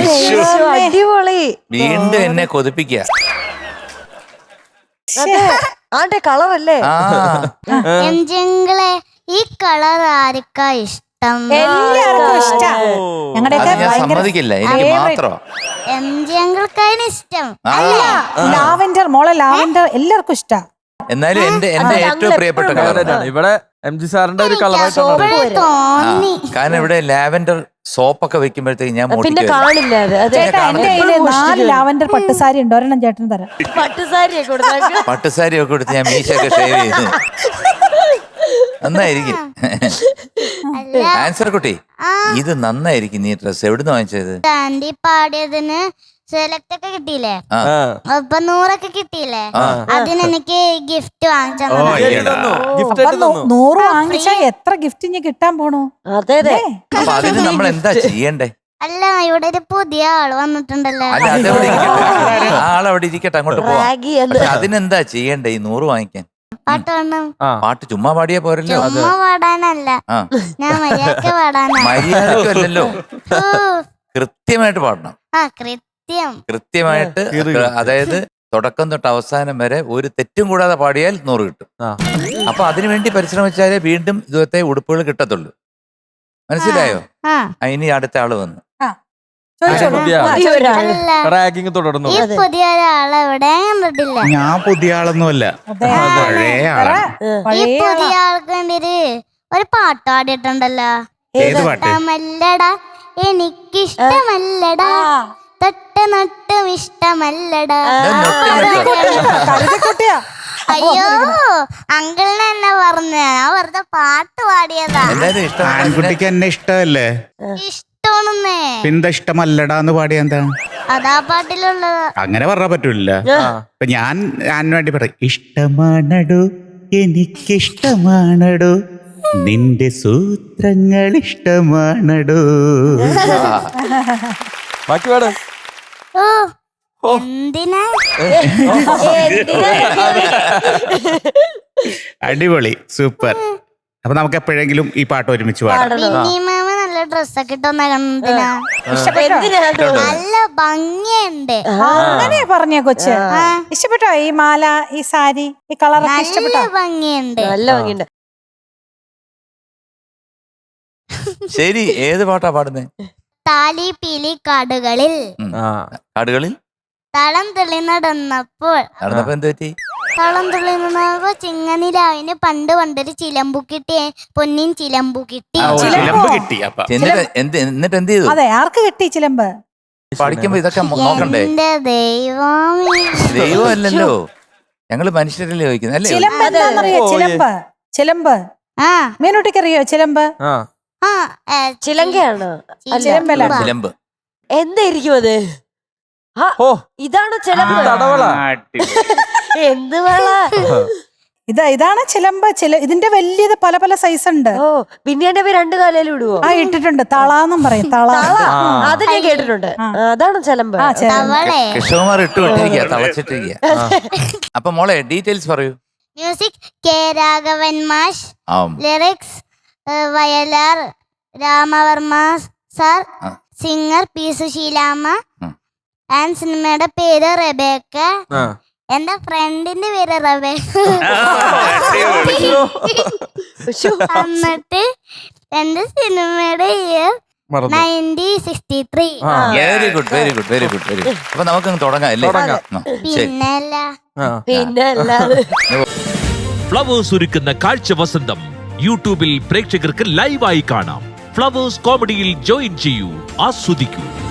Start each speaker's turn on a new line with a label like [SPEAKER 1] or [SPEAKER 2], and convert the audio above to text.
[SPEAKER 1] അടിപൊളി.
[SPEAKER 2] വീണ്ടും എന്നെ കൊതിപ്പിക്കുക.
[SPEAKER 1] ആണ്ടെ കളറല്ലേ?
[SPEAKER 3] എംജിങ്ങളെ ഈ കളർ ആർക്കാ ഇഷ്ടം?
[SPEAKER 4] എല്ലാവർക്കും ഇഷ്ടം. ഞങ്ങളുടെയൊക്കെ
[SPEAKER 2] ഞാൻ സമ്മതിക്കില്ല, എനിക്ക് മാത്രം.
[SPEAKER 3] എംജിങ്ങൾക്കാണ് ഇഷ്ടം.
[SPEAKER 4] അല്ല, ലാവെൻഡർ, മോളെ ലാവെൻഡർ എല്ലാവർക്കും ഇഷ്ടം.
[SPEAKER 2] എന്നാലും എന്റെ ഏറ്റവും പ്രിയപ്പെട്ട കളറാണ്.
[SPEAKER 5] ഇവിടെ MG സാറിന്റെ ഒരു കളറായിട്ടാണ്
[SPEAKER 3] തോന്നി.
[SPEAKER 2] കാരണം ഇവിടെ ലാവെൻഡർ സോപ്പൊക്കെ വെക്കുമ്പോഴത്തേക്ക് ഞാൻ
[SPEAKER 1] പിന്നെ കാണില്ല അത്.
[SPEAKER 4] ചേട്ടാ, എന്റെ കയ്യില് 4 ലാവെൻഡർ പട്ടുസാരി ഉണ്ട്, ഒരെണ്ണം ചേട്ടന് തരാം.
[SPEAKER 1] പട്ടുസാരിയൊക്കെ കൊടുത്താൽ
[SPEAKER 2] പട്ടുസാരി ഒക്കെ കൊടുത്ത് ഞാൻ മീശയൊക്കെ ഷേവ് ചെയ്ത് നന്നായിരിക്കും. ആൻസർ കുട്ടി, ഇത് നന്നായിരിക്കും. നീ ഡ്രസ് എവിടുന്ന് വാങ്ങിച്ചത്?
[SPEAKER 3] ആന്റി പാടിയതിന് സെലക്ട് ഒക്കെ കിട്ടിയില്ലേ, അപ്പൊ 100 ഒക്കെ കിട്ടിയില്ലേ, അതിന് എനിക്ക് ഗിഫ്റ്റ് വാങ്ങിച്ചു.
[SPEAKER 4] 100 വാങ്ങിച്ചാ എത്ര ഗിഫ്റ്റ് ഇനി കിട്ടാൻ പോണു?
[SPEAKER 1] അതെ അതെ.
[SPEAKER 2] അപ്പൊ അതിന് നമ്മൾ എന്താ ചെയ്യണ്ടേ?
[SPEAKER 3] അല്ല, ഇവിടെ ഒരു പുതിയ ആള് വന്നിട്ടുണ്ടല്ലോ.
[SPEAKER 2] അല്ല, അതെവിടെ ഇരിക്കട്ടെ, ആ ആളവിടെ ഇരിക്കട്ടെ, അങ്ങോട്ട് പോവാം.
[SPEAKER 1] റാഗി എന്ന്.
[SPEAKER 2] പക്ഷെ അതിനെന്താ ചെയ്യണ്ടേ ഈ 100 വാങ്ങിക്കാൻ?
[SPEAKER 3] പാട്ട് പാടണം.
[SPEAKER 2] പാട്ട് ചുമ്മാ പാടിയാ പോരല്ലോ.
[SPEAKER 3] ചുമ്മാ പാടാനല്ല, ഞാൻ മര്യാദക്ക് പാടാനാ.
[SPEAKER 2] മര്യാദക്കല്ലല്ലോ, കൃത്യമായിട്ട് പാടണം. കൃത്യമായിട്ട്, അതായത് തുടക്കം തൊട്ട് അവസാനം വരെ ഒരു തെറ്റും കൂടാതെ പാടിയാൽ 100 കിട്ടും. അപ്പൊ അതിനുവേണ്ടി പരിശ്രമിച്ചാലേ വീണ്ടും ഇതുപോലത്തെ ഉടുപ്പുകൾ കിട്ടത്തുള്ളൂ. മനസ്സിലായോ? ഇനി അടുത്ത ആള് വന്നു.
[SPEAKER 5] റാഗിങ് തുടർന്നു.
[SPEAKER 3] ഈ പുതിയ ഒരാളെ എവിടെ കണ്ടിട്ടില്ല.
[SPEAKER 6] ഞാൻ പുതിയ ആളൊന്നുമല്ല, പഴയ ആളാണ്.
[SPEAKER 3] ഈ പുതിയ ആൾക്ക് വേണ്ടി ഒരു പാട്ട് പാടിയിട്ടുണ്ടല്ലോ.
[SPEAKER 6] ഏത് പാട്ട്?
[SPEAKER 3] ഇഷ്ടമല്ലടാ എനിക്കിഷ്ടമല്ലടാ, തൊട്ട് നട്ടും ഇഷ്ടമല്ലടാ. അയ്യോ, അങ്കിളിനെ എന്നെ പറഞ്ഞ, ഞാൻ വെറുതെ പാട്ട് പാടിയതാ.
[SPEAKER 6] ആൺകുട്ടിക്ക് എന്നെ ഇഷ്ടമല്ലേ?
[SPEAKER 3] ഇഷ്ടമാണെന്നേ.
[SPEAKER 6] പിന്താ ഇഷ്ടമല്ലടാന്ന് പാടിയ എന്താണ്?
[SPEAKER 3] അതാ പാട്ടിലുള്ളത്.
[SPEAKER 6] അങ്ങനെ പറഞ്ഞാ പറ്റൂല. അപ്പൊ ഞാൻ വേണ്ടി പറയും, ഇഷ്ടമാണടോ എനിക്കിഷ്ടമാണടോ, നിന്റെ സൂത്രങ്ങൾ ഇഷ്ടമാണടോ.
[SPEAKER 5] ബാക്കി പാടും.
[SPEAKER 3] ഓ, എന്തിനാ?
[SPEAKER 6] അടിപൊളി, സൂപ്പർ. അപ്പൊ നമുക്ക് എപ്പോഴെങ്കിലും ഈ പാട്ട് ഒരുമിച്ച് പാടാം.
[SPEAKER 3] മാമ നല്ല ഡ്രസ്സൊക്കെ ഇട്ടൊന്ന കണ്ടിനാ. നല്ല ഭംഗിയുണ്ട്.
[SPEAKER 4] അങ്ങനെ പറഞ്ഞ കൊച്ച് ഇഷ്ടപ്പെട്ടോ? ഈ മാല, ഈ സാരി, ഈ കളറൊക്കെ ഇഷ്ടപ്പെട്ടോ?
[SPEAKER 3] നല്ല ഭംഗിയുണ്ട്.
[SPEAKER 1] നല്ല ഭംഗിയുണ്ട്.
[SPEAKER 2] ശരി, ഏത് പാട്ടാ പാടുന്നേ?
[SPEAKER 3] താലി പീലി കാടുകളിൽ
[SPEAKER 2] കാടുകളിൽ
[SPEAKER 3] തളം തുള്ളി നടന്നപ്പോൾ
[SPEAKER 2] എന്ത് പറ്റി?
[SPEAKER 3] തളം തുള്ളി നടന്നപ്പോ ചിങ്ങനിലാവിന് പണ്ടൊരു ചിലമ്പു കിട്ടി, പൊന്നിൻ ചിലമ്പു കിട്ടി.
[SPEAKER 2] എന്നിട്ട് എന്ത് ചെയ്തു?
[SPEAKER 4] അതെ, ആർക്ക് കിട്ടി ചിലമ്പ്?
[SPEAKER 2] പഠിക്കുമ്പോ ഇതൊക്കെ നോക്കണ്ടേ?
[SPEAKER 3] എന്റെ ദൈവമേ,
[SPEAKER 2] ദൈവമല്ലല്ലോ, ഞങ്ങള് മനുഷ്യരല്ലേ ചോദിക്കുന്നത് അല്ലേ?
[SPEAKER 4] ചിലമ്പ് എന്താണെന്നറിയോ? ചിലമ്പ്, ചിലമ്പ് മീനുട്ടിക്ക് അറിയോ? ചിലമ്പ്
[SPEAKER 1] ചിലങ്കയാണ്.
[SPEAKER 4] ചിലമ്പല്ല,
[SPEAKER 2] ചിലമ്പ്
[SPEAKER 1] എന്തായിരിക്കും അത്? ഇതാണ് ചിലമ്പ്. എന്ത് വള?
[SPEAKER 4] ഇതാണ് ചിലമ്പ്. ഇതിന്റെ വലിയത് പല പല സൈസ് ഉണ്ട്.
[SPEAKER 1] ഓ, പിന്നെ എന്റെ 2 കാലയിലും ഇടുവോ?
[SPEAKER 4] ഇട്ടിട്ടുണ്ട്. തളാന്നും പറയും, തള.
[SPEAKER 1] അത് ഞാൻ കേട്ടിട്ടുണ്ട്. അതാണ് ചിലമ്പ്.
[SPEAKER 2] കൃഷ്ണകുമാർ ഇട്ടിരിക്കുക, തളച്ചിട്ടിരിക്കുക. അപ്പൊ മോളെ ഡീറ്റെയിൽസ് പറയൂ.
[SPEAKER 3] മ്യൂസിക് കെ രാഘവൻ മാഷ്, lyrics Vayalar Ramavarma sir, singer P Susheelamma, and സിനിമയുടെ പേര് റെബേക്ക, എന്റെ ഫ്രണ്ടിന്റെ പേര് റെബേക്ക. എന്നിട്ട് എന്റെ സിനിമയുടെ year 1963.
[SPEAKER 2] Very good, very good, very good, very good. അപ്പൊ നമുക്കങ്ങ് തുടങ്ങാം അല്ലേ?
[SPEAKER 3] പിന്നല്ല.
[SPEAKER 7] ഫ്ലവേഴ്സ് ഒരുക്കുന്ന കാഴ്ച വസന്തം യൂട്യൂബിൽ പ്രേക്ഷകർക്ക് ലൈവായി കാണാം. ഫ്ലവേഴ്സ് കോമഡിയിൽ ജോയിൻ ചെയ്യൂ, ആസ്വദിക്കൂ.